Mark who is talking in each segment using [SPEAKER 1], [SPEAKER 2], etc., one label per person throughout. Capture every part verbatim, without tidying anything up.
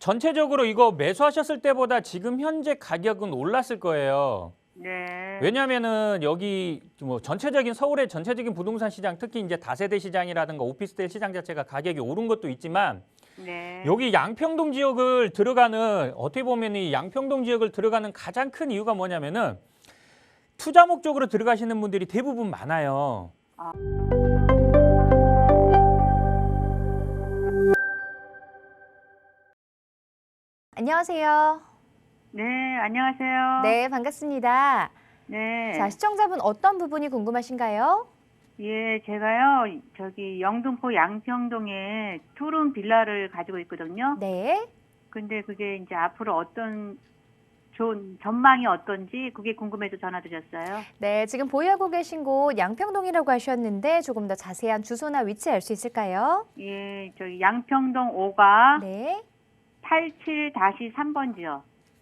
[SPEAKER 1] 전체적으로 이거 매수하셨을 때보다 지금 현재 가격은 올랐을 거예요.
[SPEAKER 2] 네.
[SPEAKER 1] 왜냐면은 여기 뭐 전체적인 서울의 전체적인 부동산 시장, 특히 이제 다세대 시장이라든가 오피스텔 시장 자체가 가격이 오른 것도 있지만
[SPEAKER 2] 네.
[SPEAKER 1] 여기 양평동 지역을 들어가는, 어떻게 보면 이 양평동 지역을 들어가는 가장 큰 이유가 뭐냐면은 투자 목적으로 들어가시는 분들이 대부분 많아요.
[SPEAKER 2] 아.
[SPEAKER 3] 안녕하세요.
[SPEAKER 2] 네, 안녕하세요.
[SPEAKER 3] 네, 반갑습니다.
[SPEAKER 2] 네.
[SPEAKER 3] 자, 시청자분 어떤 부분이 궁금하신가요?
[SPEAKER 2] 예, 제가요, 저기 영등포 양평동에 투룸 빌라를 가지고 있거든요.
[SPEAKER 3] 네.
[SPEAKER 2] 근데 그게 이제 앞으로 어떤 좋은 전망이 어떤지 그게 궁금해서 전화드렸어요.
[SPEAKER 3] 네, 지금 보유하고 계신 곳 양평동이라고 하셨는데 조금 더 자세한 주소나 위치 알 수 있을까요?
[SPEAKER 2] 예, 저기 양평동 오가
[SPEAKER 3] 네.
[SPEAKER 2] 팔십칠 삼 번지요.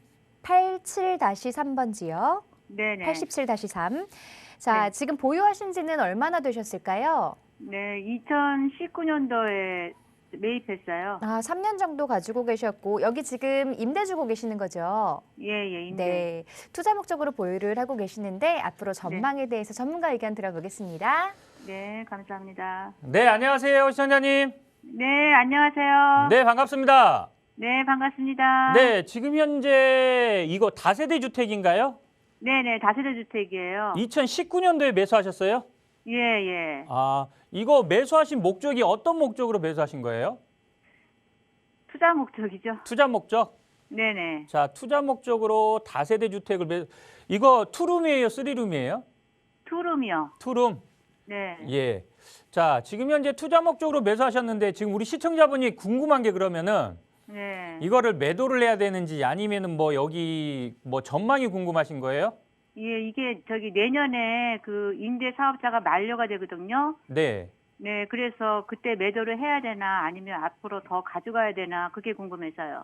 [SPEAKER 3] 팔십칠 삼 번지요.
[SPEAKER 2] 네네.
[SPEAKER 3] 팔십칠 삼. 자,
[SPEAKER 2] 네.
[SPEAKER 3] 지금 보유하신 지는 얼마나 되셨을까요?
[SPEAKER 2] 네, 이천십구 년도에 매입했어요.
[SPEAKER 3] 아, 삼 년 정도 가지고 계셨고 여기 지금 임대 주고 계시는 거죠?
[SPEAKER 2] 예, 예, 임대.
[SPEAKER 3] 네. 투자 목적으로 보유를 하고 계시는데 앞으로 전망에 대해서 전문가 의견 들어보겠습니다.
[SPEAKER 2] 네, 감사합니다.
[SPEAKER 1] 네, 안녕하세요, 시청자님.
[SPEAKER 2] 네, 안녕하세요.
[SPEAKER 1] 네, 반갑습니다.
[SPEAKER 2] 네, 반갑습니다.
[SPEAKER 1] 네, 지금 현재 이거 다세대 주택인가요?
[SPEAKER 2] 네네, 다세대 주택이에요.
[SPEAKER 1] 이천십구 년도에 매수하셨어요?
[SPEAKER 2] 예, 예.
[SPEAKER 1] 아, 이거 매수하신 목적이 어떤 목적으로 매수하신 거예요?
[SPEAKER 2] 투자 목적이죠.
[SPEAKER 1] 투자 목적?
[SPEAKER 2] 네네.
[SPEAKER 1] 자, 투자 목적으로 다세대 주택을 매 이거 투룸이에요, 쓰리룸이에요?
[SPEAKER 2] 투룸이요.
[SPEAKER 1] 투룸.
[SPEAKER 2] 네.
[SPEAKER 1] 예. 자, 지금 현재 투자 목적으로 매수하셨는데 지금 우리 시청자분이 궁금한 게 그러면은
[SPEAKER 2] 네.
[SPEAKER 1] 이거를 매도를 해야 되는지 아니면은 뭐 여기 뭐 전망이 궁금하신 거예요?
[SPEAKER 2] 예, 이게 저기 내년에 그 임대 사업자가 만료가 되거든요.
[SPEAKER 1] 네.
[SPEAKER 2] 네, 그래서 그때 매도를 해야 되나 아니면 앞으로 더 가져가야 되나 그게 궁금해서요.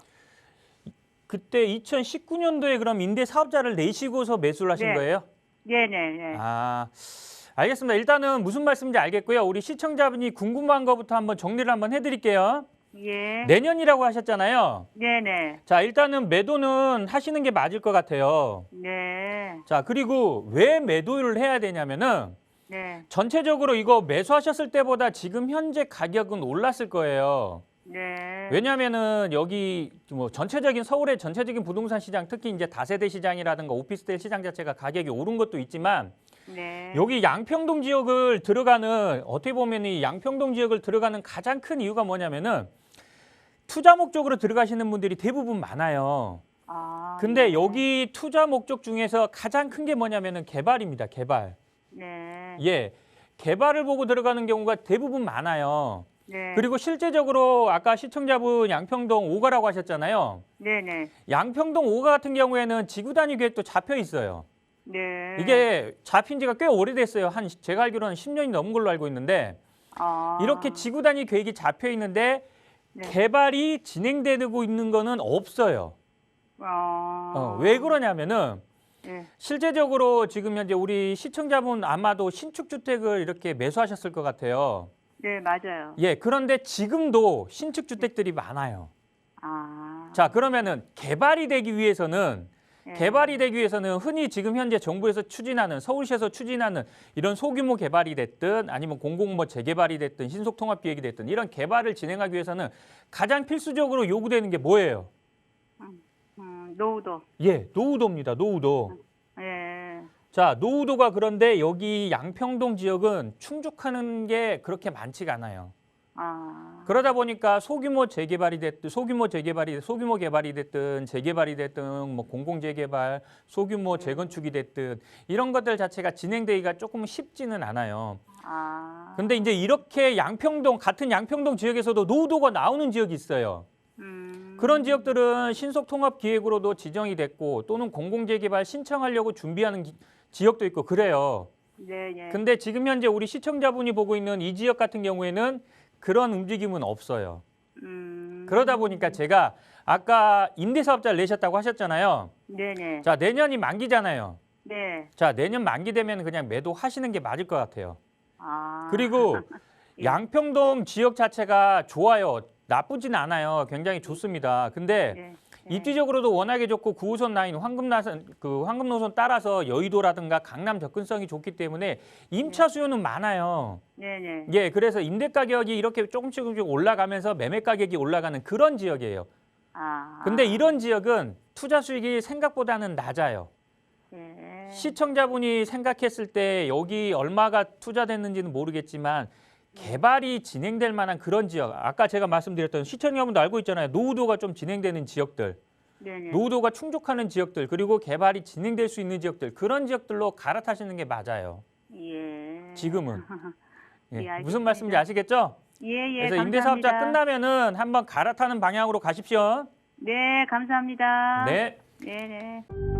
[SPEAKER 1] 그때 이천십구 년도에 그럼 임대 사업자를 내시고서 매수를 하신
[SPEAKER 2] 네.
[SPEAKER 1] 거예요?
[SPEAKER 2] 네네. 네.
[SPEAKER 1] 아, 알겠습니다. 일단은 무슨 말씀인지 알겠고요. 우리 시청자분이 궁금한 것부터 한번 정리를 한번 해드릴게요.
[SPEAKER 2] 예.
[SPEAKER 1] 내년이라고 하셨잖아요.
[SPEAKER 2] 네네.
[SPEAKER 1] 자, 일단은 매도는 하시는 게 맞을 것 같아요.
[SPEAKER 2] 네.
[SPEAKER 1] 자, 그리고 왜 매도를 해야 되냐면은
[SPEAKER 2] 네.
[SPEAKER 1] 전체적으로 이거 매수하셨을 때보다 지금 현재 가격은 올랐을 거예요.
[SPEAKER 2] 네.
[SPEAKER 1] 왜냐면은 여기 뭐 전체적인 서울의 전체적인 부동산 시장, 특히 이제 다세대 시장이라든가 오피스텔 시장 자체가 가격이 오른 것도 있지만
[SPEAKER 2] 네.
[SPEAKER 1] 여기 양평동 지역을 들어가는, 어떻게 보면 이 양평동 지역을 들어가는 가장 큰 이유가 뭐냐면은 투자 목적으로 들어가시는 분들이 대부분 많아요.
[SPEAKER 2] 아.
[SPEAKER 1] 근데
[SPEAKER 2] 네.
[SPEAKER 1] 여기 투자 목적 중에서 가장 큰 게 뭐냐면은 개발입니다. 개발.
[SPEAKER 2] 네.
[SPEAKER 1] 예. 개발을 보고 들어가는 경우가 대부분 많아요.
[SPEAKER 2] 네.
[SPEAKER 1] 그리고 실제적으로 아까 시청자분 양평동 오가라고 하셨잖아요.
[SPEAKER 2] 네네.
[SPEAKER 1] 양평동 오가 같은 경우에는 지구 단위 계획도 잡혀 있어요.
[SPEAKER 2] 네.
[SPEAKER 1] 이게 잡힌 지가 꽤 오래됐어요. 한 제가 알기로는 십 년이 넘은 걸로 알고 있는데
[SPEAKER 2] 아.
[SPEAKER 1] 이렇게 지구 단위 계획이 잡혀 있는데
[SPEAKER 2] 네.
[SPEAKER 1] 개발이 진행되고 있는 거는 없어요.
[SPEAKER 2] 아.
[SPEAKER 1] 어, 왜 그러냐면은
[SPEAKER 2] 네.
[SPEAKER 1] 실제적으로 지금 현재 우리 시청자분 아마도 신축 주택을 이렇게 매수하셨을 것 같아요.
[SPEAKER 2] 네, 맞아요.
[SPEAKER 1] 예, 그런데 지금도 신축 주택들이 많아요.
[SPEAKER 2] 아.
[SPEAKER 1] 자, 그러면은 개발이 되기 위해서는
[SPEAKER 2] 네.
[SPEAKER 1] 개발이 되기 위해서는 흔히 지금 현재 정부에서 추진하는, 서울시에서 추진하는 이런 소규모 개발이 됐든 아니면 공공 뭐 재개발이 됐든 신속통합기획이 됐든 이런 개발을 진행하기 위해서는 가장 필수적으로 요구되는 게 뭐예요?
[SPEAKER 2] 음, 노후도.
[SPEAKER 1] 예, 노후도입니다. 노후도.
[SPEAKER 2] 예.
[SPEAKER 1] 자, 노후도가 그런데 여기 양평동 지역은 충족하는 게 그렇게 많지가 않아요.
[SPEAKER 2] 아.
[SPEAKER 1] 그러다 보니까 소규모 재개발이 됐든 소규모 재개발이 소규모 개발이 됐든 재개발이 됐든 뭐 공공 재개발, 소규모 재건축이 됐든 이런 것들 자체가 진행되기가 조금 쉽지는 않아요.
[SPEAKER 2] 아.
[SPEAKER 1] 근데 이제 이렇게 양평동 같은 양평동 지역에서도 노후도가 나오는 지역이 있어요.
[SPEAKER 2] 음.
[SPEAKER 1] 그런 지역들은 신속통합기획으로도 지정이 됐고 또는 공공재개발 신청하려고 준비하는 기, 지역도 있고 그래요.
[SPEAKER 2] 네, 네.
[SPEAKER 1] 근데 지금 현재 우리 시청자분이 보고 있는 이 지역 같은 경우에는 그런 움직임은 없어요.
[SPEAKER 2] 음.
[SPEAKER 1] 그러다 보니까 제가 아까 임대사업자를 내셨다고 하셨잖아요.
[SPEAKER 2] 네, 네.
[SPEAKER 1] 자, 내년이 만기잖아요.
[SPEAKER 2] 네.
[SPEAKER 1] 자, 내년 만기 되면 그냥 매도하시는 게 맞을 것 같아요.
[SPEAKER 2] 아.
[SPEAKER 1] 그리고
[SPEAKER 2] 예.
[SPEAKER 1] 양평동 지역 자체가 좋아요. 나쁘진 않아요. 굉장히 좋습니다. 근데
[SPEAKER 2] 네.
[SPEAKER 1] 입지적으로도 워낙에 좋고 구 호선 라인 황금나선 그 황금 노선 따라서 여의도라든가 강남 접근성이 좋기 때문에 임차 수요는 많아요.
[SPEAKER 2] 네, 네.
[SPEAKER 1] 예, 그래서 임대 가격이 이렇게 조금씩 조금씩 올라가면서 매매 가격이 올라가는 그런 지역이에요.
[SPEAKER 2] 아.
[SPEAKER 1] 근데 이런 지역은 투자 수익이 생각보다는 낮아요.
[SPEAKER 2] 네.
[SPEAKER 1] 시청자분이 생각했을 때 여기 얼마가 투자됐는지는 모르겠지만 개발이 진행될 만한 그런 지역, 아까 제가 말씀드렸던 시청자분도 알고 있잖아요. 노후도가 좀 진행되는 지역들,
[SPEAKER 2] 네, 네.
[SPEAKER 1] 노후도가 충족하는 지역들, 그리고 개발이 진행될 수 있는 지역들, 그런 지역들로 갈아타시는 게 맞아요.
[SPEAKER 2] 예.
[SPEAKER 1] 지금은. 예,
[SPEAKER 2] 예, 알겠습니다.
[SPEAKER 1] 무슨 말씀인지 아시겠죠?
[SPEAKER 2] 예, 예.
[SPEAKER 1] 그래서
[SPEAKER 2] 감사합니다.
[SPEAKER 1] 임대사업자 끝나면은 한번 갈아타는 방향으로 가십시오.
[SPEAKER 2] 네, 감사합니다.
[SPEAKER 1] 네.
[SPEAKER 2] 네, 네.